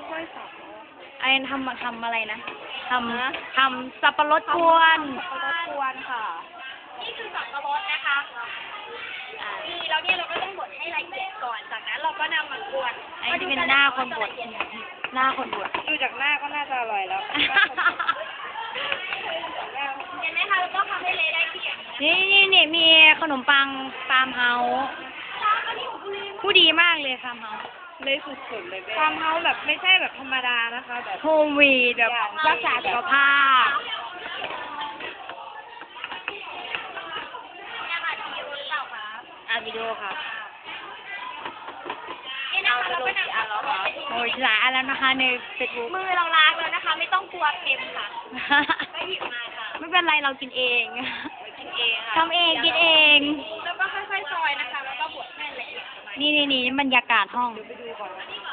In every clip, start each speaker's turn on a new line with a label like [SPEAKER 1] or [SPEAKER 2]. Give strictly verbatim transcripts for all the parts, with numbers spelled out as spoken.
[SPEAKER 1] ค่อยสับ
[SPEAKER 2] ไอ้ทำทำอะไรนะทำทำสับปะรดกวน
[SPEAKER 1] สับปะรดกวนค่ะนี่คือสับปะรดนะคะนี่แล้วเนี่ยเราก็ต้องบดให้ละเอียดก่อนจากนั้นเราก็นำมากวน
[SPEAKER 2] ไอ้ที่เป็นหน้าคนบดหน้าคนบด
[SPEAKER 1] ดูจากหน้าก็น่าจะอร่อยแล้วเห็นไหมคะแล้วก็ทำให้เละได้ที่อย่าง
[SPEAKER 2] นี้นี่นี่มีขนมปังฟาร์มเฮาส์ผู้ดีมากเลยฟาร์มเฮาส์
[SPEAKER 1] เลยสุดๆเลยฟาร์มเฮาส์แบบไม่ใช่แบบธรรมดานะคะแบบ
[SPEAKER 2] โฮมวีดแบบรักษาสุขภาพอ่านวิดีโอค่ะ
[SPEAKER 1] นี่นะคะเราก็นำอันแล้วค่ะ
[SPEAKER 2] โอ้ยหลายอันแล้วนะคะในเฟซบุ๊ก
[SPEAKER 1] มือเราล้างแล้วนะคะไม่ต้องกลัวเค็มค่ะก็หยิบมาค่ะ
[SPEAKER 2] ไม่เป็นไรเรากินเอง
[SPEAKER 1] กินเองค่ะ
[SPEAKER 2] ทำเองกินเอง
[SPEAKER 1] แล้วก็ค่อยๆซอยนะคะแล้วก็บดให้ละเอียด
[SPEAKER 2] นี่นี่นี่บรรยากาศห้อง
[SPEAKER 1] ไปดูก่อน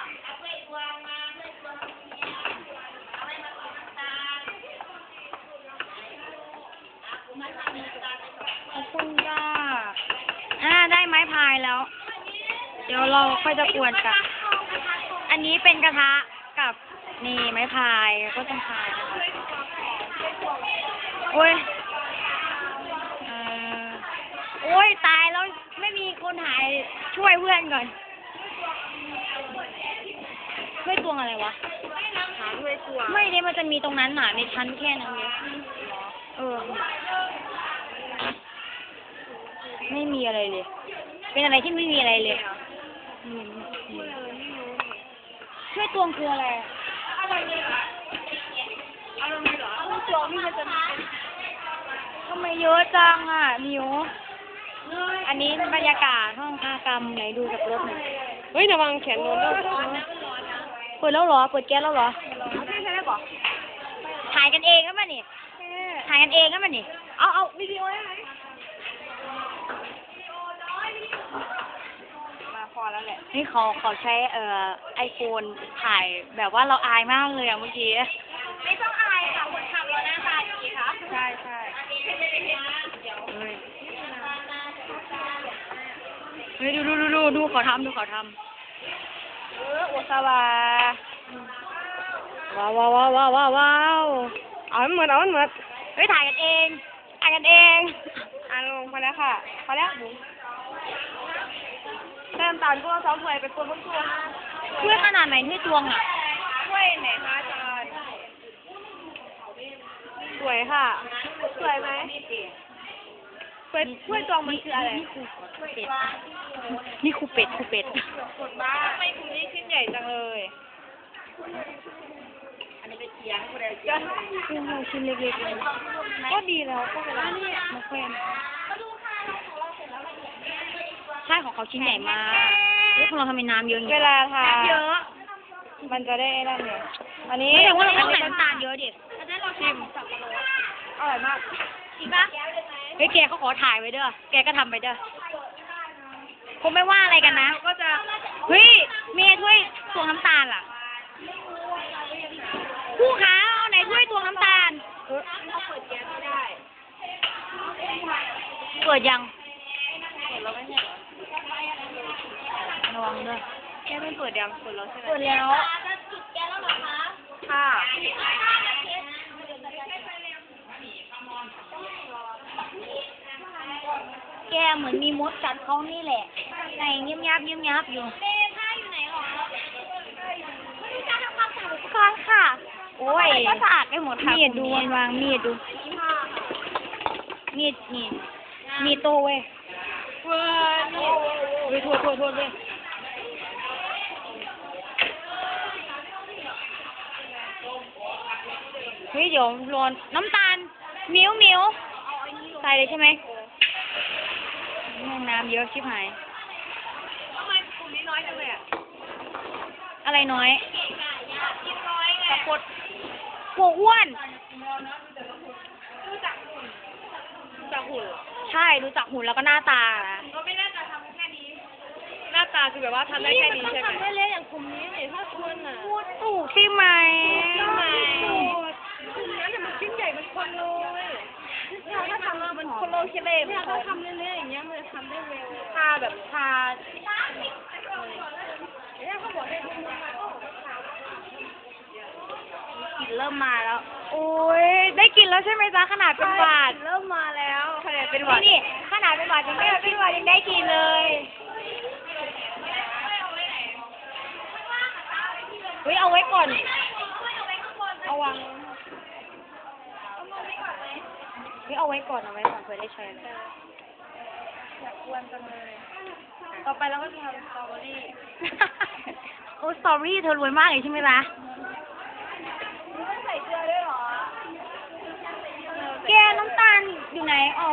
[SPEAKER 2] ขอบคุณจ้าอ่าได้ไม้พายแล้วเดี๋ยวเราค่อยจะกวนกันอันนี้เป็นกระทะกับนี่ไม้พายก็ต้องพายนะคะโอ้ยเอ่อโอ้ยตายแล้วไม่มีคนหายช่วยเพื่อนก่อนช่วยตวงอะไรวะ
[SPEAKER 1] หาช่วยตวง
[SPEAKER 2] ไม่เนี่ยมันจะมีตรงนั้นหนาในชั้นแค่นั้นเลยเออไม่มีอะไรเลยเป็นอะไรที่ไม่มีอะไรเลยช่วยตวงคืออะไร
[SPEAKER 1] อะไรเนี่ยอะไรเหรอตวงนี่มันจะ
[SPEAKER 2] ทำไมเยอะจังอ่ะมิวอันนี้บรรยากาศห้องคากรรมไหนดูจากรถหน่อย
[SPEAKER 1] เฮ้ยระวังแขนโดนด้วย
[SPEAKER 2] เปิดแล้วเหรอเปิดแก๊สแล้วเหรอ
[SPEAKER 1] ไม่ใช่ได้บอก
[SPEAKER 2] ถ่ายกันเองก็มานี่ถ่ายกันเองก็มานี่
[SPEAKER 1] เอาเอาวิดีโอได้ไหมมาพอแล้วแหละ
[SPEAKER 2] นี่เขาเขาใช้เอ่อไอโฟนถ่ายแบบว่าเราอายมากเลยอะเมื่อกี้
[SPEAKER 1] ไม่ต้องอายค่ะคนทำเราหน้าตาดีค่ะ
[SPEAKER 2] ใช่ใช่เฮ้ยดูดูดูดูดูเขาทำดูเขาทำ
[SPEAKER 1] เออโอซาวา
[SPEAKER 2] ว้าวว้าวว้าวว้าวว้าว
[SPEAKER 1] เอาเหมือนเอาเหมือน
[SPEAKER 2] เฮ้ยถ่ายกันเองถ่ายกันเอง
[SPEAKER 1] อ่านลงพอแล้วค่ะพอแล้วบุ๋มแต้มตาลก็ซ้อมถวยไปกวนพุ่งตัว
[SPEAKER 2] ช่วยขนาดไหนที่ตวงอ่ะ
[SPEAKER 1] ช่วยไหนคะอาจารย์สวยค่ะสวยไหมสวยช่วยตวงมันคืออะไร
[SPEAKER 2] นี่ครูเป็ดนี่ครูเป็ดครูเป็ด
[SPEAKER 1] บ้าทำไมคุณนี่ชิ้นใหญ่จังเลยอันนี้เป็นเสียงคุณเดียวกัน
[SPEAKER 2] คือเราชิ้นเล็กๆเลยก็ดีแล้วก็เป็นมะเขือใช่ของเขาชิ้นใหญ่มากเฮ้ยของเราทำไมน้ำเยอะอย่าง
[SPEAKER 1] เวลาทา
[SPEAKER 2] เยอะ
[SPEAKER 1] มันจะได้นั่นไงอันนี้
[SPEAKER 2] ไม่แต่ว่าเราต้องใส่น้ำตาลเยอะดิ
[SPEAKER 1] ชิมอร่อยมาก
[SPEAKER 2] จริงปะเฮ้ยแกเขาขอถ่ายไว้เด้อแกก็ทำไปเด้อคงไม่ว่าอะไรกันนะ
[SPEAKER 1] ก็จะ
[SPEAKER 2] เฮ้ยเมียถ้วยตวงน้ำตาลล่ะผู้ค้าเอาไหนถ้วยตวงน้ำตาล
[SPEAKER 1] เขาเปิดแก๊สไม่ได้
[SPEAKER 2] เปิดยัง
[SPEAKER 1] เปิดแล้วไม่ใช่เหรอ
[SPEAKER 2] ระวังด้วย
[SPEAKER 1] แก๊สไม่เปิดยังเปิดแล้วใช่ไหม
[SPEAKER 2] เปิดแล้ว
[SPEAKER 1] จะจุดแก๊สแล้วเหรอคะค่ะ
[SPEAKER 2] แกเหมือนมีมดกัดเขานี่แหละไงเงียบยับเงียบยับอยู่
[SPEAKER 1] เล่ผ้าอยู่ไหนหรอการทำความสะอาดอุปกรณ์ค่ะ
[SPEAKER 2] โอ้ย
[SPEAKER 1] ก็สะอาดไปหมดค่ะ
[SPEAKER 2] มีดดูวางมีดดูมีดนี่มีโตเว้ย
[SPEAKER 1] เว้ย
[SPEAKER 2] เว้ยโทษโทษโทษเว้ยเฮ้ยเดี๋ยวร้อนน้ำตาลมิ้วมิ้วใส่เลยใช่ไหมน้ำเยอะชิบหาย
[SPEAKER 1] ทำไมกลุ่มนี้น้อยจังเลยอ่ะ
[SPEAKER 2] อะไรน้อย
[SPEAKER 1] กินน้อยไง
[SPEAKER 2] ตะกดหัวอ้วน
[SPEAKER 1] รู้จักหุ่นรู้จักหุ่น
[SPEAKER 2] ใช่รู้จักหุ่นแล้วก็หน้าตา
[SPEAKER 1] ก็ไม่น่าจะทำแค่นี้หน้าตาคือแบบว่าทำได้แค่นี้ใช่ไหมทำได้เลยอย่างกลุ่มนี้เนี่ยถ้าคุณอ่ะ
[SPEAKER 2] พูดถูกใช่ไหม
[SPEAKER 1] ใช่ไหมกลุ่มนั้นเนี่ยมันชิ้นใหญ่มันคนเลยถ้าทำมันคนโลเคเล่เนี่ยถ้าทำเรื่อยๆอย่างเงี้ยมันจะทำได้เร็วทาแบบทาเนี่ยเขาบอกให้ดูมาก็เริ่มมาแล้ว
[SPEAKER 2] โอ้ยได้กินแล้วใช่ไหมจ๊ะขนาดเป็นหวัด
[SPEAKER 1] เริ่มมาแล้วขนาดเป็นห
[SPEAKER 2] นี่
[SPEAKER 1] วัด
[SPEAKER 2] นี่ขนาดเป็นหวัดยังได้เป็นหวัดยังได้กินเลยเฮ้ยเอาไว้ก่อนเอาวางเฮ้ยเอาไว้ก่อนเอาไว้ก่อนเผื่อได้ใช้เลย
[SPEAKER 1] อยากกวนจังเลย ต่อไปเราก็จะทำสตรอเบอรี่
[SPEAKER 2] โอ้สตรอเบอรี่เธอรวยมากเลยใช่ไหมล่ะ
[SPEAKER 1] ไม่ต้องใส่เกลือด้วยเหรอ
[SPEAKER 2] แกน้ำตาลอยู่ไหนอ๋อ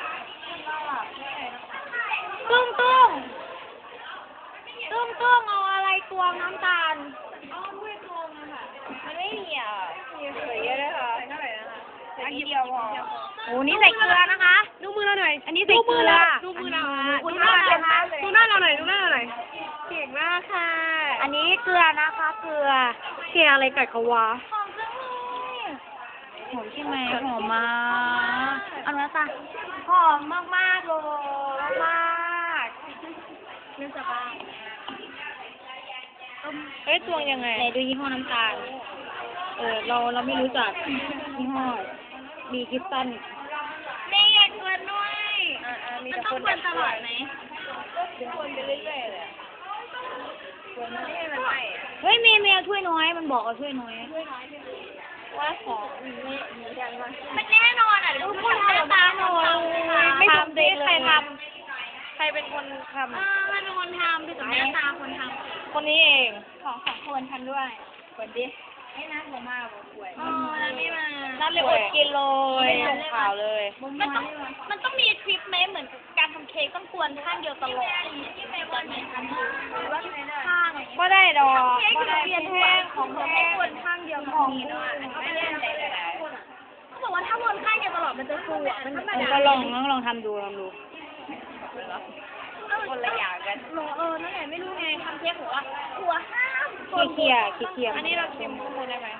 [SPEAKER 2] ตุ้งตุ้งตุ้งตุ้งเอาอะไรตวงน้ำตาล
[SPEAKER 1] อ๋อถ้วยตวงอะค่ะ มันไม่มีอ่ะมีใส่เยอะด้วยค่ะใส่เท่าไหร่นะคะใส่นิดเดียวพอ
[SPEAKER 2] โอ้นี่ใส่เกลือนะคะ
[SPEAKER 1] ดูมือเราหน่อย
[SPEAKER 2] อันนี้ใส่เกลือ
[SPEAKER 1] ดูมือเรา
[SPEAKER 2] คุ
[SPEAKER 1] ดู
[SPEAKER 2] ณ
[SPEAKER 1] หน้า
[SPEAKER 2] ว่า
[SPEAKER 1] เรา
[SPEAKER 2] นะคะ
[SPEAKER 1] ดูหน้าเราหน่อยดูหน้าเราหน่อยเก่งมากค่ะ
[SPEAKER 2] อันนี้เกลือนะคะ เกลือเกลืออะไรกัดเขาวะหอมจังเลยหอมใช่ไหมหอมมากเอาเนื้อตาหอมมากมากๆเลยมากๆ
[SPEAKER 1] เนื่องจากว่าเฮ้ยตวงยังไง
[SPEAKER 2] ไหนดูยี่ห้อน้ำตาล เออเราเราไม่รู้จักยี่ห้อมีคริสตัลแม่อยากกวนด้วย
[SPEAKER 1] อ่าๆมี
[SPEAKER 2] มัน
[SPEAKER 1] แต่
[SPEAKER 2] ต้อ
[SPEAKER 1] ค
[SPEAKER 2] ง
[SPEAKER 1] น
[SPEAKER 2] กวนตลอดไหม
[SPEAKER 1] กวนไปเรื่อยๆเลยอะกวนไม่ให้มันไหม้อะ
[SPEAKER 2] เฮ้ยเมย์เมย์เอาถ้วยน้อย มันบอกเอาถ้วยน้อย
[SPEAKER 1] ว่าของไม่มีกันมา
[SPEAKER 2] มันแน่นอนอ่ะดูคนหน้าตาหน่อย
[SPEAKER 1] ไม่ทำดิใครทำใครเป็นคนท
[SPEAKER 2] เออมันเป็นคนทำดูจากหน้าตาคนท
[SPEAKER 1] ำคนนี้เอง
[SPEAKER 2] ำของสองคนทำด้วย
[SPEAKER 1] กวนดิให้น้าผมมาบอกป่วย
[SPEAKER 2] อ๋อแล้วไม่มา
[SPEAKER 1] น้าเลยอดกินเลยส่งข่าวเลย
[SPEAKER 2] มันต้องมันต้องมีทริปไหมเหมือนการทำเค้กต้องกวนข้างเดียวตลอดที่เมย์วันนี้ทำคือข้าง
[SPEAKER 1] ก็ได้ดอก
[SPEAKER 2] เค้ก
[SPEAKER 1] ก็
[SPEAKER 2] คือ
[SPEAKER 1] ได้
[SPEAKER 2] เรียน
[SPEAKER 1] แห้
[SPEAKER 2] แห้
[SPEAKER 1] ง
[SPEAKER 2] ง
[SPEAKER 1] ข
[SPEAKER 2] ข
[SPEAKER 1] อ
[SPEAKER 2] อง ง
[SPEAKER 1] แห้
[SPEAKER 2] แห้
[SPEAKER 1] ง
[SPEAKER 2] งวนข้างเดียวของนี้เขาไม่ได้ใจเลยเขาบอกว่าถ้าวนข้างเดียวตลอดมันจะฟูอ่ะมันมัน
[SPEAKER 1] ก็ลองลองลองทำดูลองดูคนละอย่างกัน
[SPEAKER 2] เออนั่นแหละไม่รู้ไงทำเค้กบอกว่าหัวห้าม
[SPEAKER 1] เคี่ยเคี่ยเคี่ยอันนี้เราเค็มข้างบนได้ไหม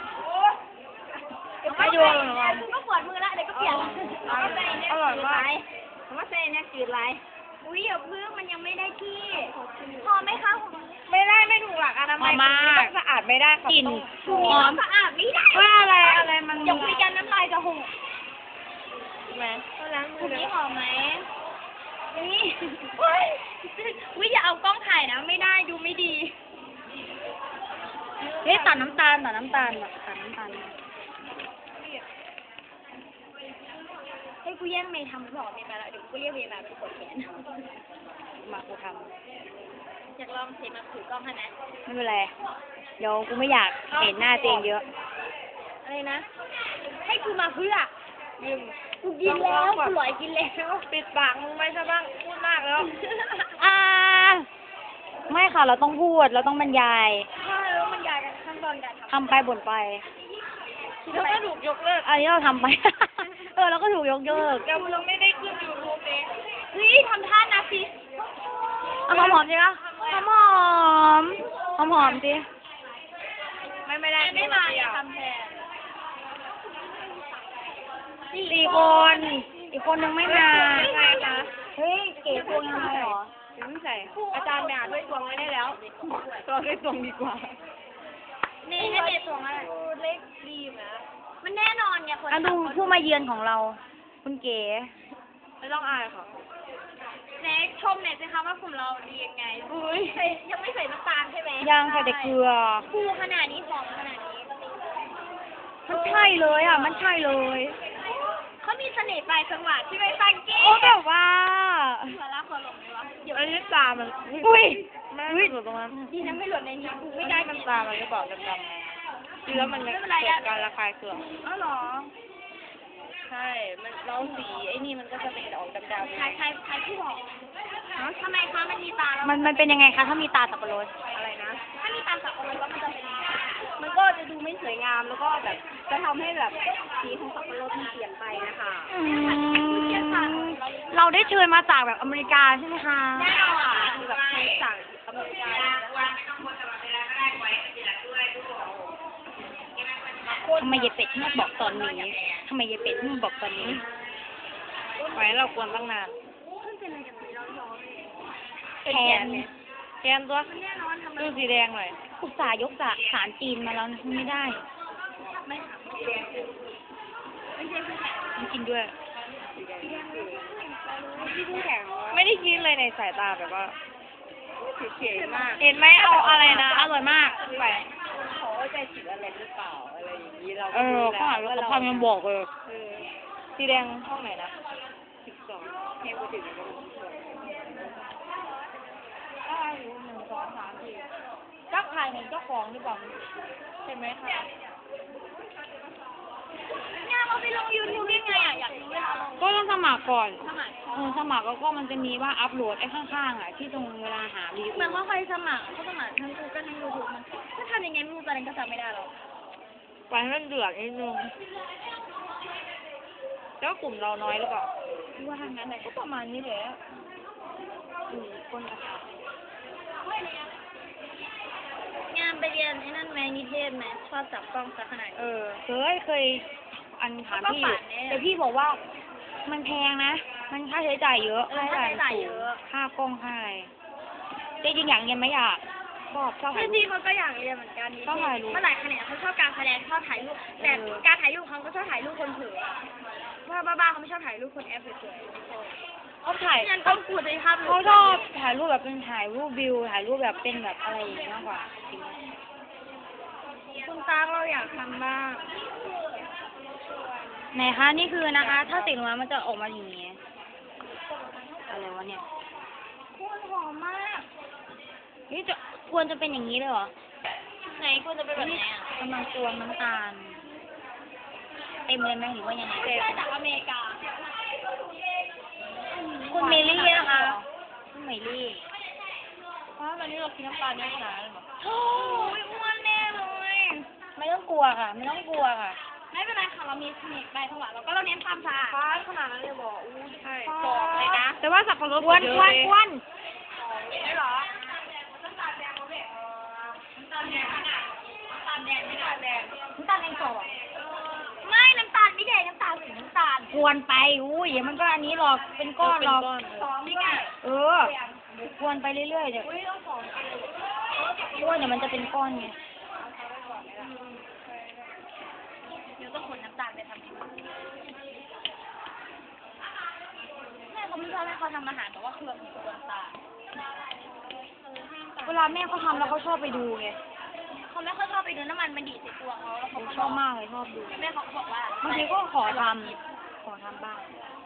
[SPEAKER 2] ไม่ดูหรอกคุณก็ปวดมือละเดี๋ยวก็เปลี่ยน
[SPEAKER 1] อร่อยมาก
[SPEAKER 2] ผมว่าเส้นเนี่ยจืดไรอุ้ยอย่าเพิ่งมันยังไม่ได้ที่ พอไหมคะ
[SPEAKER 1] ไม่ได้ไม่ถูกหลักอนามัยต้องสะอาดไม่ได้ค่ะ
[SPEAKER 2] กลิ่น
[SPEAKER 1] ต้อง
[SPEAKER 2] หอมสะอาดไม่ได้
[SPEAKER 1] ว่าอะไรอะไรมัน
[SPEAKER 2] อย่าคุยกันน้ำลายจะหก
[SPEAKER 1] ใช่ไหมก็ล้างมื
[SPEAKER 2] คุ
[SPEAKER 1] อ
[SPEAKER 2] ณ
[SPEAKER 1] เลย
[SPEAKER 2] นี่หอมไหมนี่วิอย่าเอากล้องถ่ายนะไม่ได้ดูไม่ดีเฮ้ยตัดน้ำตาลตัดน้ำตาลแบบตัดน้ำตาลให้กูแย่งเมย์ทำหรือเปล่าเมย์ไปแล้วเดี๋ยวกูเรียกเมย์มาเป็นกดแขน
[SPEAKER 1] มากูท
[SPEAKER 2] อยากลองเทมาถือกล้องให้ไหม
[SPEAKER 1] ำไม่เป็นไรเดี๋ยวกูไม่อยากเห็นหน้าตัวเองเยอะ
[SPEAKER 2] อะไรนะ ให้กูมาเพื่อ
[SPEAKER 1] ยืม
[SPEAKER 2] กูกินแล้วกูหลอยกินแล้ว
[SPEAKER 1] ปิดปากมึงไม่ใช่บ้างพูดมากแล้ว
[SPEAKER 2] อ่า
[SPEAKER 1] ไม่ค่ะเราต้องพูดเราต้องบรรยาย
[SPEAKER 2] ถ้าแล้วมันยายกันขั้นตอนการท
[SPEAKER 1] ทำไปบ่นไป
[SPEAKER 2] ำ
[SPEAKER 1] แล้วก็ถูกยกเลิกอันนี้เราทำไป เออเราก็ถูกยกเลิก
[SPEAKER 2] เราเราไม่ได้ขึ้นยูทูบเลยเฮ้ยทำท่านะสิ
[SPEAKER 1] เอาหอมหอมๆสิคะหอมหอมหอมหอมๆสิไม่ไม่ได้
[SPEAKER 2] ไม่มาอย่าทำแทน
[SPEAKER 1] สี่คน อีกคนนึงไม่มา
[SPEAKER 2] ใช่คะ
[SPEAKER 1] เฮ้ยเก๋ตัวยังไงหรอ
[SPEAKER 2] ไม่ใส่
[SPEAKER 1] อาจารย์ไปอ่านด้วยตวงไว้ได้แล้วตัวด้วยตวงดีกว่า
[SPEAKER 2] นี่ให้เมย์ตวงอะไร
[SPEAKER 1] เล็กดีนะ
[SPEAKER 2] มันแน่นอนไงคน
[SPEAKER 1] อ่ะดู
[SPEAKER 2] ทำ
[SPEAKER 1] ผู้มาเยือนของเรา คุณเก๋ไม่ต้องอายค่ะ
[SPEAKER 2] เน็กชมเน็กสิคะว่ากลุ่มเราดียังไงอุ้ยยังไม่ใส่น้ำตาลใช่ไหม
[SPEAKER 1] ยังใส่แต่เกลือ
[SPEAKER 2] ฟูขนาดนี้หอมขนาดนี้
[SPEAKER 1] มันใช่เลยอ่ะ มันใช่เลย
[SPEAKER 2] เขามีเสน่ห์ปลายจังหวะที่ไม่ฟังกี้
[SPEAKER 1] โอ้แบบว่า
[SPEAKER 2] หัวลากหัวหลงเลยวะเดี๋ยว
[SPEAKER 1] อันนี้ตามันอุ้ยแม่หลุดตรงนั้น
[SPEAKER 2] ดีนะไม่หล่นในนี้กูไม่
[SPEAKER 1] ไม่
[SPEAKER 2] ได้
[SPEAKER 1] ได้
[SPEAKER 2] กิ
[SPEAKER 1] มัน
[SPEAKER 2] น
[SPEAKER 1] ตามันก็บอกดำๆเชื้อมันเกิดการระคายเคือง
[SPEAKER 2] อ๋อเหรอ
[SPEAKER 1] ใช่ มันเราสีไอ้นี่มันก็จะเป็นออกดำ
[SPEAKER 2] ใครใครใครที่บอกทำไมคะมันมีตาแล้ว
[SPEAKER 1] ๆมันมันเป็นยังไงคะถ้ามีตาสับปะรด
[SPEAKER 2] อะไรนะ ถ้ามีตาสับปะรดแล้วมันจะเป็นยังไง
[SPEAKER 1] มันก็จะดูไม่สวยงามแล้วก็แบบจะทำให้แบบสีของสับปะรดมันเปลี่ยนไปนะคะเราได้เชิญมาจากแบบอเมริกาใช่ไหมคะ
[SPEAKER 2] แน่นอน
[SPEAKER 1] คือแบบเชิญจากอเมริกาทำไมยายเป็ดไม่บอกตอนนี้ทำไมยายเป็ดไม่บอกตอนนี้ไว้เราควรตั้งนานแทนแทนตัวดูสีแดงหน่อยอุตส่าห์ยกจากสารจีนมาแล้วนะไม่ได้ไม่ค่ะไม่ใช่ผู้แข่ง
[SPEAKER 2] มันกินด้วย
[SPEAKER 1] ที่ผู้แข่ง
[SPEAKER 2] ไม่ได้คิดเลยในสายตาแบบว่า
[SPEAKER 1] เฉยๆมาก
[SPEAKER 2] เห็นไหมเอาอะไรนะ อร่อยมากไป
[SPEAKER 1] เขาใจผิดอะไรหรือเปล่าอะไรอย่างนี้เรา
[SPEAKER 2] เออข้างหลังเราพังยังบอกเลย
[SPEAKER 1] เออ
[SPEAKER 2] สีแดงห้องไหนนะ
[SPEAKER 1] สิบสองเทวถึงแล้วก็สิบสอง
[SPEAKER 2] ได้อยู่หนึ่งสองสามสี่เจ้าขายเห็นเจ้าของหรือเปล่าเห็นไหมคะ
[SPEAKER 1] เนี่ยเราไปลงยูทูบยังไงอ่ะอยากรู้เวลาลง
[SPEAKER 2] ก็ต้องสมัครก่อน
[SPEAKER 1] สมัคร
[SPEAKER 2] เออสมัครแล้วก็มันจะมีว่าอัพโหลดไอ้ข้างๆอ่ะที่ตรงเวลาหาวิดี
[SPEAKER 1] เหมือน
[SPEAKER 2] โอ
[SPEAKER 1] ว่าใครสมัครเขาสมัครทั้งกูก็ทั้งยูทูบมันถ้าทำยังไงไม่รู้ตอนนี้ก็จำไม่ได้หรอก
[SPEAKER 2] ไปให้มันเดือดนิดนึงแล้วกลุ่มเราน้อยหรือเปล่า
[SPEAKER 1] ว่าทางนั้นไหน
[SPEAKER 2] ก็ประมาณนี้แหละอืมคนละค่ะ
[SPEAKER 1] งานไปเรียนไอ้นั่นไหมนิเทศไหมชอบจับกล้องซะขนาด
[SPEAKER 2] เอ
[SPEAKER 1] นี้
[SPEAKER 2] อเคยเคยอันถามพี่อยู่
[SPEAKER 1] ก็ฝันเนี่ย
[SPEAKER 2] แต่พี่บอกว่า มันแพงนะ มันค่าใช้จ่ายเยอะ
[SPEAKER 1] เออค่าใช้จ่ายเยอะ
[SPEAKER 2] ค่ากล้องค่าอะไรจริงๆอย่างเรียนไม่อยากชอบชอบถ่าย
[SPEAKER 1] จ
[SPEAKER 2] รู
[SPEAKER 1] ริง
[SPEAKER 2] ป
[SPEAKER 1] ๆเขาก็อยากเรียนเหมือนกันนิ
[SPEAKER 2] ชอบ
[SPEAKER 1] เท
[SPEAKER 2] ถ่าย
[SPEAKER 1] ศ
[SPEAKER 2] รูป
[SPEAKER 1] เมื่อหลายแขนงเขาชอบการแสดงชอบถ่ายรูปแต่
[SPEAKER 2] เออ
[SPEAKER 1] การถ่ายรูปเขาก็ชอบถ่ายรูปคนเผลอว่าบ้าๆเขาไม่ชอบถ่ายรูปคนแอปสวยๆ
[SPEAKER 2] เขาถ่าย
[SPEAKER 1] งั้นต้องกูจะภาพ
[SPEAKER 2] เขาชอบถ่ายรูปแบบเป็นถ่ายรูปวิว ถ่ายรูปแบบเป็นแบบอะไรอย่างเงี้ยมากกว่า
[SPEAKER 1] คุณตาเราอยากทำบ้าง
[SPEAKER 2] ไหนคะนี่คือนะคะ ถ้าติดลงมามันจะออกมาอย่างงี้อะไรวะเนี่ย
[SPEAKER 1] คุณหอมมาก
[SPEAKER 2] นี่จะควรจะเป็นอย่างนี้เลยเหรอ
[SPEAKER 1] ไหนคุณจะเป็นแบบไหนอ่ะ
[SPEAKER 2] กำลังตวงน้ำตาล เต็มเลยไหมหรือว่ายังไง
[SPEAKER 1] เจอจากอเมริกา
[SPEAKER 2] คุณเมลี่นะคะคุณเมลี่
[SPEAKER 1] เพราะวันนี้เรากินน้ำตาลเยอะขนาดนั้นหรอโอ้ยอ้วนแน่เลย
[SPEAKER 2] ไม่ต้องกลัวค่ะ ไม่ต้องกลัวค่ะ
[SPEAKER 1] ไม่เป็นไรค่ะเรามีเทคนิคใบถวายเราก็เราเน้นความสะอาดฟ้าขนาดนั้นเลยบอกอู้ใช่บอกเลยนะ
[SPEAKER 2] แต่ว่าสับปะรดควนควนควน
[SPEAKER 1] ไม่หรอน้ำตาลแดงเขาแบบน้ำตาลแดงขนาดน้ำตาลแดงไม่ได้แดง
[SPEAKER 2] น้ำตาลแดงสด
[SPEAKER 1] ไม่น้ำตาลไม่แดงน้ำตาลสีน้ำตาล
[SPEAKER 2] ควนไปอุ้ยเดี๋ยวมันก็อันนี้หรอก เป็นก้อนหรอก
[SPEAKER 1] สองนี่ไง
[SPEAKER 2] เออควนไปเรื่อยๆเดี๋ยว
[SPEAKER 1] อุ้ยต้องสองกิโล
[SPEAKER 2] ควนเดี๋ยวมันจะเป็นก้อนไง
[SPEAKER 1] เดี๋ยวต้องขนน้ำตาลไปทำที่บ้านแม่เขาไม่ชอบให้เขาทำอาหารแต่ว่าเครื่องของตัวน้ำตาล
[SPEAKER 2] เวลาแม่เขาทำแล้วเขาชอบไปดูไง
[SPEAKER 1] เขาไม่ค่อยชอบไปดูน้ำมันมันดีดใส่ตัวเขาแล้วเขาก็
[SPEAKER 2] ชอบมากเลยชอบดู
[SPEAKER 1] แม่เขาก็บอกว่า
[SPEAKER 2] บางทีก็ขอทำขอทำบ้าง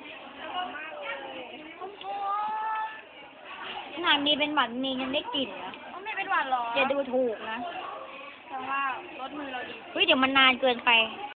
[SPEAKER 2] ขนาดมีเป็นหวัดมียังได้กลิ่นนะ
[SPEAKER 1] เขาไม่เป็นหวานหรอ
[SPEAKER 2] อย่าดูถูกนะ
[SPEAKER 1] แต่ว่ารสมือเราดี
[SPEAKER 2] เฮ้ยเดี๋ยวมันนานเกินไป